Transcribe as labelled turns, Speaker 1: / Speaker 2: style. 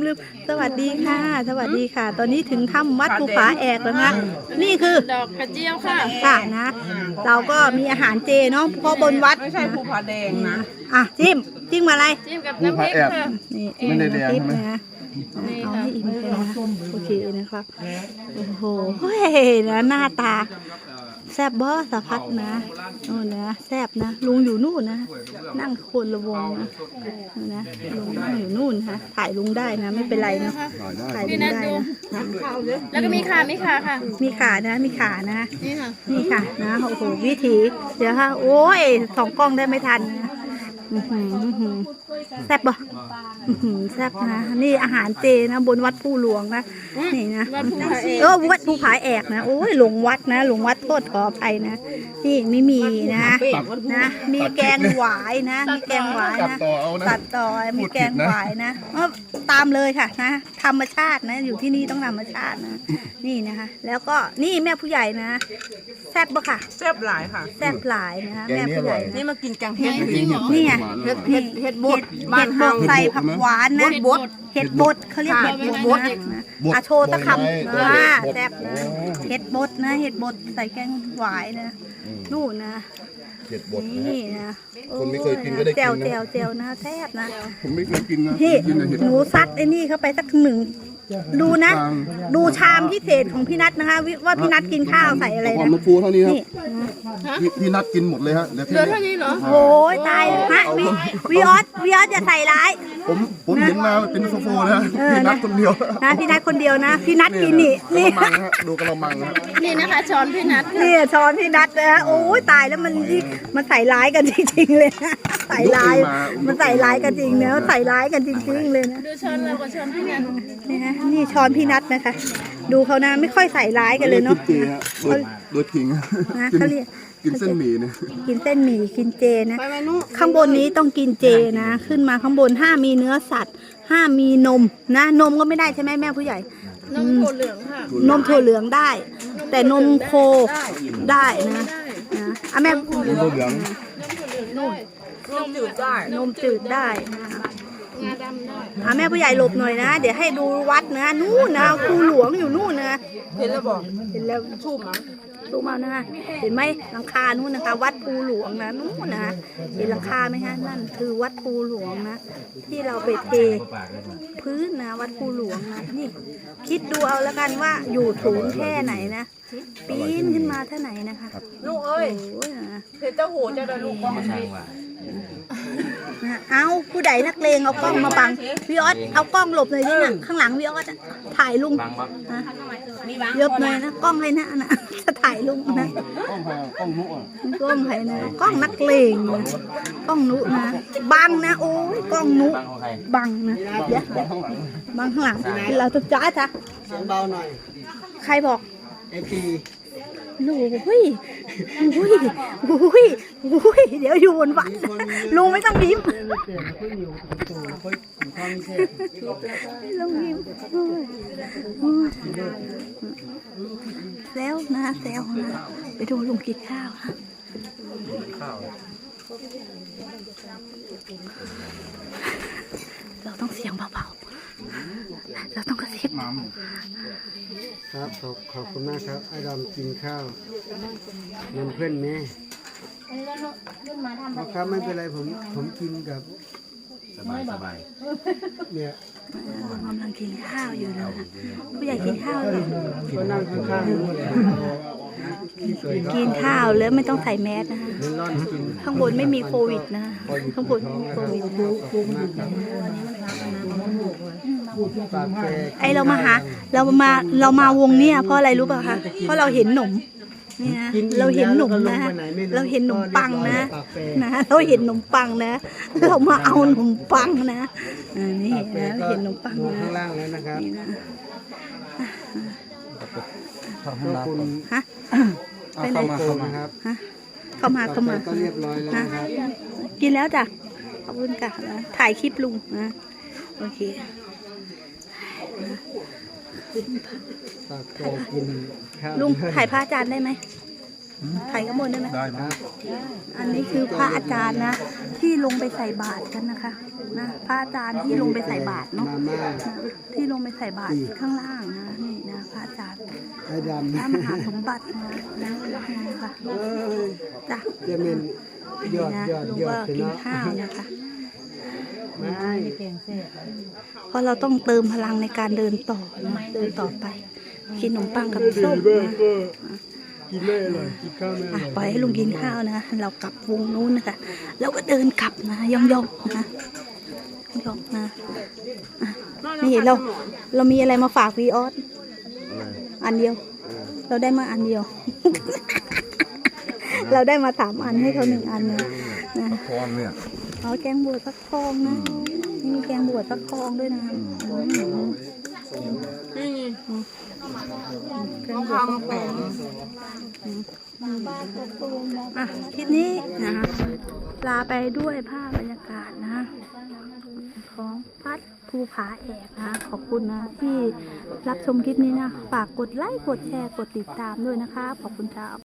Speaker 1: ลืมสวัสดีค่ะสวัสดีค่ะ ตอนนี้ถึงถ้ำวัดภูผาแอกแล้วนะนี่คือ
Speaker 2: ดอกกระเจียวค่ะ
Speaker 1: ค่ะนะเราก็มีอาหารเจเนาะเพราะบนวัด
Speaker 3: ไม่ใช่ภูผาแดงนะ
Speaker 1: อ่ะจิ้มอะไร
Speaker 2: จิ้มกับน้ำพริกค่ะ
Speaker 1: นี่ไม่ได้แดงนะเอาให้อิ่มเลยนะโอเคนะครับโอ้โหเฮ้ยนะหน้าตาแซบบ่สะพัดนะโน่นนะแซบนะลุงอยู่นู่นนะนั่งคนละวงนะลุงนั่งอยู่นู่นนะถ่ายลุงได้นะไม่เป็นไรนะถ่ายลุงได้นะ
Speaker 2: แล้วก็มีขาค่ะ
Speaker 1: มีขานะมีขานะนี่ค่ะนะโอ้โหวิถีเดี๋ยวค่ะโอ้ยสองกล้องได้ไม่ทันนะแซ่บบ่แซ่บนะนี่อาหารเจนะบนวัดภูหลวงนะนี่นะวัดภูผาแอกนะโอ้ยหลงวัดนะหลงวัดโทษขออภัยนะนี่ไม่มีนะมีแกงหวายนะมีแกงหวายนะตัดต่อมีแกงหวายนะตามเลยค่ะนะธรรมชาตินะอยู่ที่นี่ต้องธรรมชาตินะนี่นะคะแล้วก็นี่แม่ผู้ใหญ่นะแซ่บบ่ค่ะ
Speaker 3: แซ่บหลายค่ะ
Speaker 1: แซ่บหลายนะคะแม่ผู้ใหญ่
Speaker 3: นี่มากินแกงเห็ด
Speaker 1: นี่ไง
Speaker 3: เห็ดบด
Speaker 1: ใส่ผักหวานนะเห็ดบดเขาเรียกเห็ดบดนะอาโชตะคำแซ่บนะเห็ดบดนะเห็ดบดใส่แกงหวายนะนู่นนะ
Speaker 4: เห็ดบด
Speaker 1: นี่นะ
Speaker 4: คนไม่เคยกินก็ได้กินนะ
Speaker 1: เจียวนะแซ่บนะ
Speaker 4: ผมไม่เคยกินนะ
Speaker 1: พี่หนูซัดไอ้นี่เข้าไปสักหนึ่งดูนะดูชามพิเศษของพี่นัทนะคะว่าพี่นัทกินข้าวใส่อะไรนะ
Speaker 4: น้ำปูเท่านี้ครับพี่นัทกินหมดเลยฮะ
Speaker 2: เหลือเท่านี้เหรอ
Speaker 1: โอ้ยตายฮะวิออสอย่าใส่ร้าย
Speaker 4: ผมเห็นมาเป็นโซโฟนะพี่นัทคนเดียว
Speaker 1: นะพี่นัทคนเดียวนะพี่นัทกินนี่
Speaker 4: ดูกระมัง
Speaker 2: นี่นะคะช้อนพี่นัท
Speaker 1: นี่ช้อนพี่นัทนะโอ้ยตายแล้วมันใส่ร้ายกันจริงๆเลยใส่ร้ายมันใส่ร้ายกันจริงเนอะใส่ร้ายกันจริงๆเลยนะ
Speaker 2: ดูช้อนเรากับช้อนพี่นัท
Speaker 1: นี่ฮะนี่ช้อนพี่นัทนะคะดูเขานะไม่ค่อยใส่ร้ายกันเลยเนาะ
Speaker 4: โดยทิ้ง
Speaker 1: นะเขาเรียก
Speaker 4: กินเส้นหมี่เนี่ย
Speaker 1: กินเส้นหมี่กินเจนะข้างบนนี้ต้องกินเจนะขึ้นมาข้างบนห้ามมีเนื้อสัตว์ห้ามมีนมนะนมก็ไม่ได้ใช่ไหมแม่ผู้ใหญ่
Speaker 2: นมถั่วเหลืองค่ะ
Speaker 1: นมถั่วเหลืองได้แต่นมโคได้นะแม่
Speaker 4: นมถั่วเหลือง
Speaker 2: นมจืดได้
Speaker 1: นมจืดได้นะ
Speaker 2: งาดำได้
Speaker 1: แม่ผู้ใหญ่หลบหน่อยนะเดี๋ยวให้ดูวัดนะนู่นนะภูหลวงอยู่นู่นนะ
Speaker 3: เห็นแล้วบอก
Speaker 1: เห็นแล้ว
Speaker 3: ชุ่มมั้ง
Speaker 1: ดูมานะคะเห็นไหมหลังคานู่นนะคะวัดภูหลวงนะนู่นนะเห็นหลังคาไหมฮะนั่นคือวัดภูหลวงนะที่เราไปเทพื้นนะวัดภูหลวงนะนี่คิดดูเอาแล้วกันว่าอยู่สูงแค่ไหนนะปีนขึ้นมาเท่าไหนนะคะ
Speaker 3: ลูกเอ้ยเห็นเจ้าหูเจ้าลูกว่า
Speaker 1: เอาผู้ใดนักเลงเอากล้องมาบังวิออสเอากล้องหลบหน่อยดิเนี่ยข้างหลังวิออสถ่ายลุงยบหน่อยนะกล้องให้นะจะถ่ายลุงนะ
Speaker 4: กล้องนุ๊ก
Speaker 1: กล้องให้นะกล้องนักเลงนะกล้องนุนะบังนะโอ้ยกล้องนุบังนะเดี๋ยวบังข้างหลังเราจะจ้าจ้ะ
Speaker 3: เสียงเบาหน่อย
Speaker 1: ใครบอก
Speaker 3: ไอที
Speaker 1: โอ้ยเดี๋ยวอยู่บนวัดลุงไม่ต้องยิ้มลุงยิ้มแล้วนะไปดูลุงกินข้าวเราต้องเสียงเบาๆเราต้องกระซิบ
Speaker 5: ครับขอบคุณมากครับไอ้ดำกินข้าวน้ำเพื่อนแม่ครับไม่เป็นไรผมกินกับสบายเนี่ย
Speaker 1: กำลังกินข้าวอยู่นะผู้ใหญ่กินข้าวเลย
Speaker 5: ก็นั่งข้าง
Speaker 1: กินข้าวแล้วไม่ต้องใส่แมสนะคะข้างบนไม่มีโควิดนะข้างบนไม่มีโควิดไอเรามาวงเนี่ยเพราะอะไรรู้ป่ะคะเพราะเราเห็นหนมนี่นะเราเห็นหนมนะเราเห็นหนมปังนะเราเห็นหนมปังนะเรามาเอาหนมปังนะนี่นะเห็นหนมปังนะ
Speaker 5: ข้างล่างแล้วนะครับ
Speaker 4: ขอบคุณ
Speaker 1: ฮะ
Speaker 5: ไปไหนครับ
Speaker 1: เข้ามา
Speaker 5: ก็เรียบร้อยแล้วนะครับ
Speaker 1: กินแล้วจ้ะขอบคุณค่ะถ่ายคลิปลุงนะโอเค
Speaker 5: กินข้าว
Speaker 1: ลุงถ่ายพระอาจารย์ได้ไหมถ่ายข้างบนได้ไหม
Speaker 4: ได้ครับ
Speaker 1: อันนี้คือพระอาจารย์นะ ที่ลงไปใส่บาตรกันนะคะนะพระอาจารย์ที่ลงไปใส่บาตรเนาะ
Speaker 5: มาม่า
Speaker 1: ที่ลงไปใส่บาตรข้างล่างนะนี่นะพระอาจารย์
Speaker 5: ไอ้ด
Speaker 1: พระมหาสมบัตินะนะคะ
Speaker 5: ำเอ้ย
Speaker 1: จ้ะ
Speaker 5: จะเป็นยอด
Speaker 1: นะ
Speaker 5: ยอด
Speaker 1: ลูก
Speaker 5: ยอ
Speaker 1: ก็
Speaker 5: ดไป
Speaker 1: กิน
Speaker 5: เนาะ
Speaker 1: ข้าวนะคะ
Speaker 5: ไม่
Speaker 1: เพราะเราต้องเติมพลังในการเดินต่อนะเดินต่อไปกินขนมปังกับส้มนะ
Speaker 5: กินไม่อร่อยกินข้าวไม่อ
Speaker 1: อ่ะ
Speaker 5: ร่อย
Speaker 1: ปล่อยให้ลุงกินข้าวนะ เรากลับวงนู้นนะคะแล้วก็เดินกลับนะย่องๆนะย่องๆนะอ่ะนี่เรามีอะไรมาฝากวีออสอันเดียว เราได้มาอันเดียว เราได้มา3 อันให้เขา1 อันนะนะ
Speaker 4: พรเนี่ย
Speaker 1: เอาแกงบวชฟักทองนะนี่มีแกงบวชฟักทองด้วยนะแกงบวชฟักทองอ่ะคลิปนี้นะคะลาไปด้วยภาพบรรยากาศนะของวัดภูผาแอกนะขอบคุณนะที่รับชมคลิปนี้นะฝากกดไลค์กดแชร์กดติดตามด้วยนะคะขอบคุณครับ